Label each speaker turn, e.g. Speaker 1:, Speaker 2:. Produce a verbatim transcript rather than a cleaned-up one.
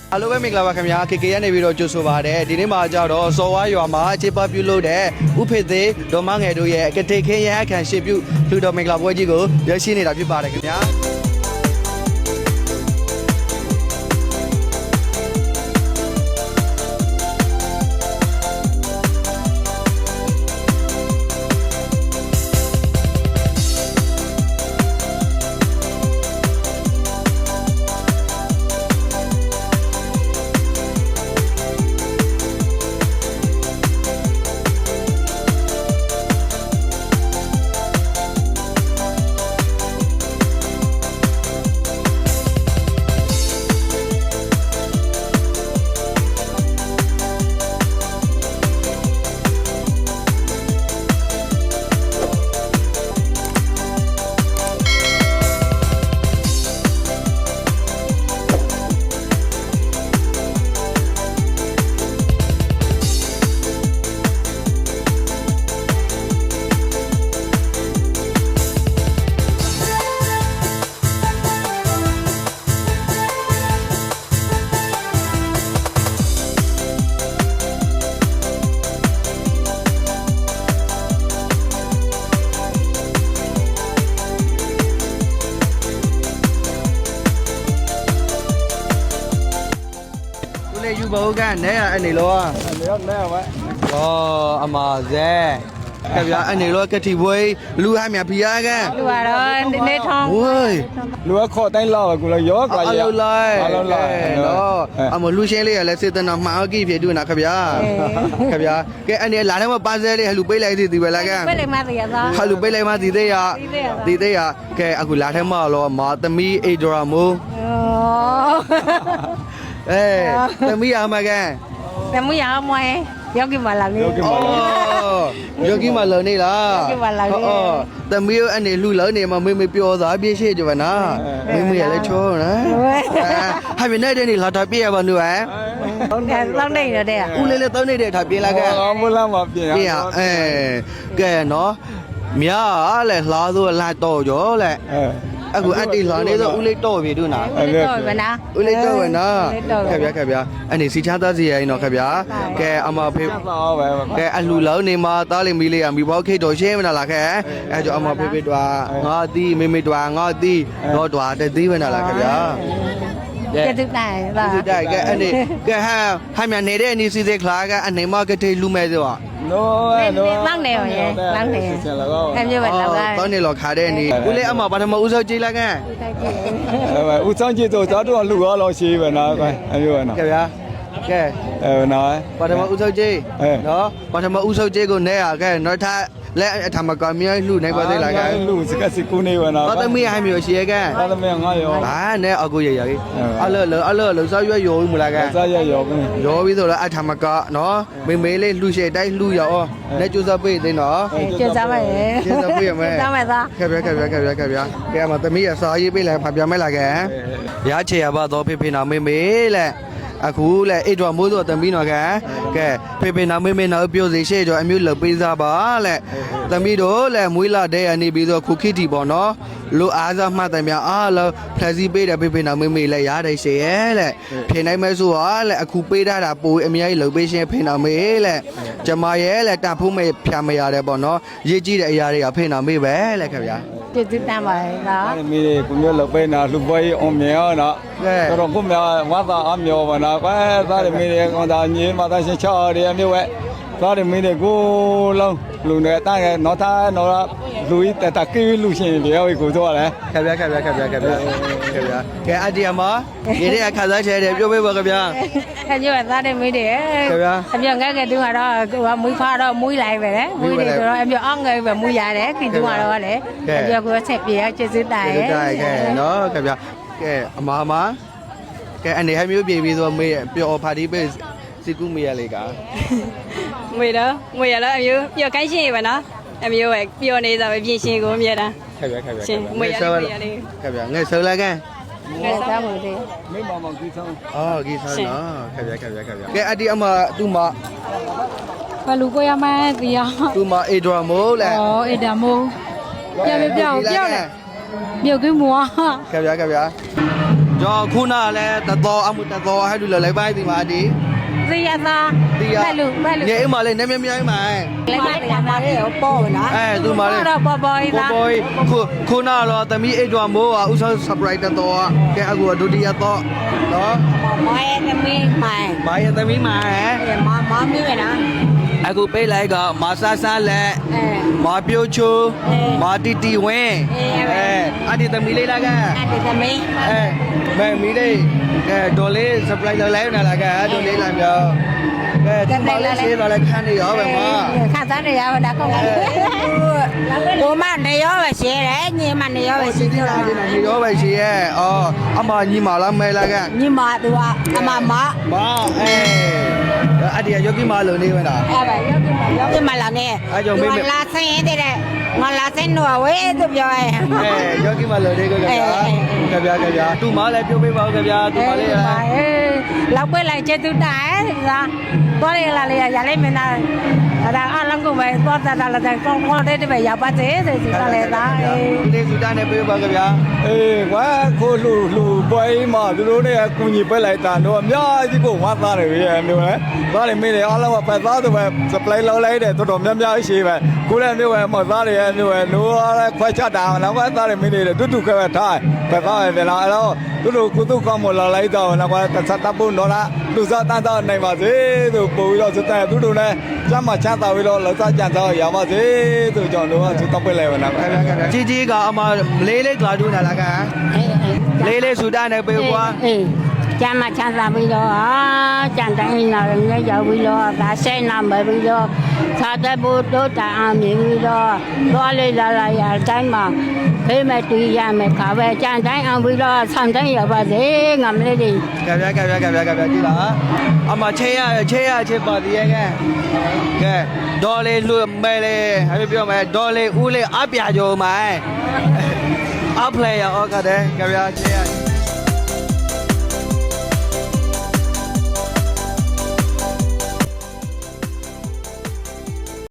Speaker 1: အားလုံးပဲမင်္ဂလာပါခင်ဗျာ ကေ ကေ ကနေပြီးတော့ကြိုဆိုပါရစေဒီနေ့မှာကြတော့စော်ဝါရွာမှာအခြေပပြုလုပ်တဲ့ဥဖေသေးဒေါ်မငယ်တို့ရဲ့ကတိခင်းရအခမ်းရှင်ပြုလူတော်မင်္ဂလာပွဲကြီးကိုရရှိနေတာဖြစ်ပါတယ်ခင်ဗျာယူဘောကနေအနေလောအနေရောနဲဝဲဩအမဇဲခင်ဗျာအနေလောကတိဘွေလူဟာမြဖီးရကန်
Speaker 2: လူကတော့ဒီနေ့ထောင်း
Speaker 1: ဝေး
Speaker 3: လူကခေါ်တိုင်းလောက်ကူလည်းရောကွာရ
Speaker 1: အလုံးလိုက်
Speaker 3: အလုံးလိုက်
Speaker 1: နော်အမလူရှင်းလေးရလဲစေတနာမှာအကိဖြစ်တူနာခင်ဗျာခင်ဗျာကဲအနေလာတော့ပါဆဲလေးဟလူပေးလိုက်သေးဒီပဲလားကန်
Speaker 2: ပဲလေမသေးရသား
Speaker 1: ဟလူပေးလိုက်မှဒီသေးရဒီသေးရကဲအခုလာထဲမှာလောမာသမီးအေဒရာမိုး
Speaker 2: ဩ
Speaker 1: အေးသမီးအမကန်
Speaker 2: တမူရအောင်မွေယောဂီမလာနေ
Speaker 1: ယောဂီမလုံနေလားသမီးအနေလူလုံနေမှာမေမေပြောသားပြည့်ရှိကြပါနာမေမေလည်းချောနော်ဟာမနေ့တည်းလာတာပြရပါနူဟဲ့
Speaker 2: ဟုတ်ကဲ့တောင်းနေရတဲ့
Speaker 1: ဦးလေးလည်းတောင်းနေတဲ့ထားပြေးလာခဲ့
Speaker 3: အော်မလားမပြင်
Speaker 1: ပြေးအဲကဲနော်မြားလဲလှားဆိုလာတော့ကြောလဲ
Speaker 3: အဲ
Speaker 1: အခုအတီလှားနေဆိုဦးလေးတော့ပြီတို့နာ
Speaker 2: ဟုတ်တော့ဗနာ
Speaker 1: ဦးလေးတော့ဝနာခက်ဗျာခက်ဗျာအနေစီချသားစီရိုင်းတော့ခက်ဗျာကဲအမဖေး
Speaker 3: တော့ပဲ
Speaker 1: ကဲအလှလုံးနေမှာတားလိမီလေးရမိဘောခိတ်တော်ရှင်းမလားခဲအဲကြောင့်အမဖေးဖေးတွာငါတီးမေမေတွာငါတီးတော့တွာတသိမလားခက်ဗျာ
Speaker 2: ကျေတူတိုင်လား
Speaker 1: ဒီတိုက်ကဲအနေကဲဟာဟာမြနေတဲ့အနေစီသေးခလာကအနေမကတိလူမဲ့ဆိုတော့
Speaker 3: နိုးနိုး
Speaker 2: လောင်းနေရောရေလောင်းနေအမျိုးပဲလောင်း
Speaker 1: တောင်းနေလောခါတဲ့အနေဦးလေးအမဘာထမဦးစောကြည်လာကဲ
Speaker 3: အဲဦးဆောင်ကြည့်တော့တော်တော်လူရောလောက်ရှိပဲနော်အမျိုးပဲနော်
Speaker 1: ကဲဗျာကဲ
Speaker 3: အဲနော်
Speaker 1: ဘာထမဦးစောကြည်နော်ဘာထမဦးစောကြည်ကိုနဲရကဲနော်ထားလက်အထမကမြေလှူနိုင်ပါသေးလားကဲ
Speaker 3: လူစကစကူနေပဲနော်
Speaker 1: တော့သမီးဟိုင်းမျိုးရှိရကဲ
Speaker 3: တော်သမီးငါရော
Speaker 1: ဘာနဲ့အကူရရကြီးအလောလောအလောလောစောရွရောမလားကဲ
Speaker 3: စားရရောပဲ
Speaker 1: ရောပြီးဆိုတော့အထမကနော်မေမေလေးလှူရှေတိုင်းလှူရောလက်ကျူစားပေးသိနော်
Speaker 2: ကျေစားပါရဲ့
Speaker 1: ကျေစားပေးရမယ်
Speaker 2: စားမယ်သား
Speaker 1: ခက်ပြခက်ပြခက်ပြခက်ပြကဲအမသမီးရစာရေးပေးလိုက်ဖပြမဲလာကဲရချေရပါတော့ဖေဖေနာမေမေလက်အခုလက်အိတ်တော်မိုးစောသမီးနော်ကဲကဲဖေဖေနာမေမေနာပြောစီရှေ့ကျော်အမျိုးလှပေးစားပါလက်သမီးတို့လက်မွေးလာတဲ့အနေပြီးတော့ခုခိတီပေါ့နော်လိုအားစားမှတ်တယ်များအားလုံးဖလက်စီပေးတယ်ဖေဖေနာမေမေလက်ရတယ်ရှေ့ရဲ့လက်ဖြေနိုင်မဲဆိုဟာလက်အခုပေးထားတာပိုအများကြီးလှပေးရှင်ဖေနာမေလက်ကျမရဲ့လက်တဖိုးမေဖြာမရတယ်ပေါ့နော်ရေးကြည့်တဲ့အရာတွေကဖေနာမေပဲလက်ခင်ဗျာ
Speaker 2: ကျေတူတမ်းပါရဲ့လား
Speaker 3: အဲ့ဒီမိကိုမျိုးလောက်ပဲနော်လူပွဲအောင်မြောနော်တော်ကိုမြေဝါသာအမြောပါနော်ကွာသားရမိတွေကောင်သားညင်းမသားရှင်ချော်တွေအမျိုးပဲသားရမိတွေကိုလုံးလူနေတာကနော်သားနော်လူတတကီလူရှင်တွေကိုဆိုရတယ်
Speaker 1: ခက်ဗျာခက်ဗျာခက်ဗျာခက်ဗျာခက်ဗျာကဲအတီယမဒီတဲ့အခါစားချဲတယ်ပြောပေးပါခင်ဗျာ
Speaker 2: အမျိုးပဲသားတယ်မေးတယ်အမျိုးငယ်ငယ်တူကတော့ဟိုမွေးဖားတော့မွေးလိုက်ပဲလေမွေးတယ်ဆိုတော့အမျိုးအောင်ငယ်ပဲမွေးရတယ်ခင်တူကတော့လေအမျိုးကဆက်ပြေကျေစုတိုင်
Speaker 1: ကဲကဲနော်ခက်ဗျာကဲအမမကဲအနေဟမျိုးပြေပြီးဆိုမေးပျော်ပါတီပေးစီကူမေးရလေက
Speaker 4: ငွေတော့ငွေရတော့အမျိုးပျော်ကိုင်းရှင်ရပါနော်အမျိုးပဲပျော်နေစားပဲပြင်ရှင်ကိုအမြဲတမ်း
Speaker 1: ခက်ဗျာခက်ဗျာ
Speaker 4: ရှင်ငွေရလေးငွေရလေး
Speaker 1: ခက်ဗျာငဲဆောလာကဲ
Speaker 2: ငယ်စားမှုတွေ
Speaker 3: မိမမောင်ကြီးဆောင်
Speaker 1: အော်ကြီးဆောနော်ခက်ဗျာခက်ဗျာခက်ဗျာကဲအတီအမသူ့မ
Speaker 4: ဘလူကိုရမှန်းဒီရ
Speaker 1: သူ့မအေဒရာမိုးလဲ
Speaker 4: ဩအေဒါမိုးပြပြပြောင်းပြောင်းလေ
Speaker 2: မြုပ်ကင်းမော
Speaker 1: ကဗျာကဗျာကျော်ခုနလည်းတတော်အမှုတတော်ဟဲ့လူလည်းပိုင်းဒီမှာဒီ
Speaker 2: သိရသား
Speaker 1: ဒီရ
Speaker 2: ဘက်လူဘက်လူ
Speaker 1: ညအိမ်မှာလည်းနည်းများများမှာ
Speaker 2: လည်းမတရားပါလေပေါ်နော်
Speaker 1: အဲသူမှာလည်း
Speaker 2: တော့ပေါ်ပေါ်
Speaker 1: ပေါ်
Speaker 2: သား
Speaker 1: ပေါ်ခုခုနတော့သမီးအိတ်တော်မိုးကဥဆောင် surprise တတော်ကဲအခုဒုတိယတော့နော်
Speaker 2: မောရဲ့သမီးမိုင်
Speaker 1: ဘာရဲ့သမီးမှာဟဲ့
Speaker 2: မမမီးပဲနော်
Speaker 1: အခုပေးလိုက်ကမဆာဆာလက်
Speaker 2: အဲ
Speaker 1: မပြိုချို
Speaker 2: အေး
Speaker 1: မတီတီဝင်း
Speaker 2: အေးပဲ
Speaker 1: အဲအဒီသမီးလေးလားက
Speaker 2: အဲ့ဒီသမီး
Speaker 1: အဲမဲမီလေးအဲဒေါ်လေး surprise လောက်လိုက်နေလားကဒေါ်လေးလာပြောကဲဒီမလေးဆေးတော့လည်းခန်းနေရောပဲမ
Speaker 2: ခါသားနေရပါတော့ကောင်းပါကိုမနေရောပဲရှင်းတယ်ညီမနေရောပဲရှင်း
Speaker 1: ဒီ
Speaker 2: တယ်
Speaker 1: လားဒီလားနေရောပဲရှိရဲ့အော်အမညီမလားမဲလားက
Speaker 2: ညီမသူကအမမ
Speaker 1: မအဲအဒီယောဂီမလုံးနေဝင်တာ
Speaker 2: အဲ့ပဲရောက်ပြီရောက်ပြီမလာနဲ့
Speaker 1: အဲ့ကြောင့်မေးမေး
Speaker 2: လာဆင်းတဲ့ငါလာဆင်းတော့ဝဲသူပြောရဲ
Speaker 1: အဲယောဂီမလုံးနေကြကြကြဗျာကြဗျာသူမလည်းပြုတ်ပေးပါဦးကြဗျာသူမလေး
Speaker 2: ပါအေးလောက်ပဲလိုက်ကျသူတိုင်ဒါတော့ရလာလေရလိုက်မင်းသားဒါအလုံးကပဲတော့တာလာတဲ့ကောင်းကောင်းတဲ့ပဲရပါသေးတယ်ဒီကလည်းသားအေး
Speaker 1: ဒီလေးစူတန်းနဲ့ပေးပါကြဗျာ
Speaker 3: အေးကွာခိုးလူလူပွဲမှာသူတို့နဲ့အကူညီပဲလိုက်တာတော့အများကြီးကိုဝါသားတယ်ရဲ့မျိုးပဲသားတယ်မင်းတွေအားလုံးကပတ်သားသူပဲ supply လောက်လိုက်တယ်တော်တော်များများရှိပဲကိုလည်းမျိုးပဲမသားတယ်ရဲ့မျိုးပဲလိုရခွဲချတာတော့ကသားတယ်မင်းတွေတူတူခွဲထားပတ်သားပဲလားအဲ့တော့သူတို့ကုသကောင်းမလာလိုက်တော့တော့ကသတ်တပ်ဖို့တော့လားလူစားတန်းတော့နိုင်ပါစေသူပို့ပြီးတော့စတဲ့သူတို့လည်းစမ်းမချမ်းသာပြီးတော့လောက်စားကြံတော့ရပါစေသူကြောင့်တော့သူတော့ပြလိုက်ပါလား
Speaker 1: ကြီးကြီးကအမလေးလေးကြွားတူးနေလားက
Speaker 2: အေးအေး
Speaker 1: လေးလေးစူတန်းနဲ့ပေးကွာ
Speaker 2: အေးကျမ်းမချမ်းသာပြီးတော့အာကြံတိုင်းလာရင်းရောက်ပြီးတော့ဒါဆိုင်နာမပြီးတော့သာတဘုဒ္ဓတန်အောင်မြင်ပြီးတော့သွားလေလာလာရတိုင်းမှာဖေးမဲ့တူရမယ်ခါပဲကြံတိုင်းအောင်ပြီးတော့ဆန်တိုင်းရပါစေငါမလေးတွေ
Speaker 1: ကဗျာကဗျာကဗျာကဗျာကြည့်လားအမချေရချေရချေပါတည်းရဲ့ကကဲဒေါ်လေးလူမဲလေးဟဲ့ပြောမယ်ဒေါ်လေးဦးလေးအပြာကြုံမိုင်းအပလေယာဩကတဲ့ကဗျာချေရ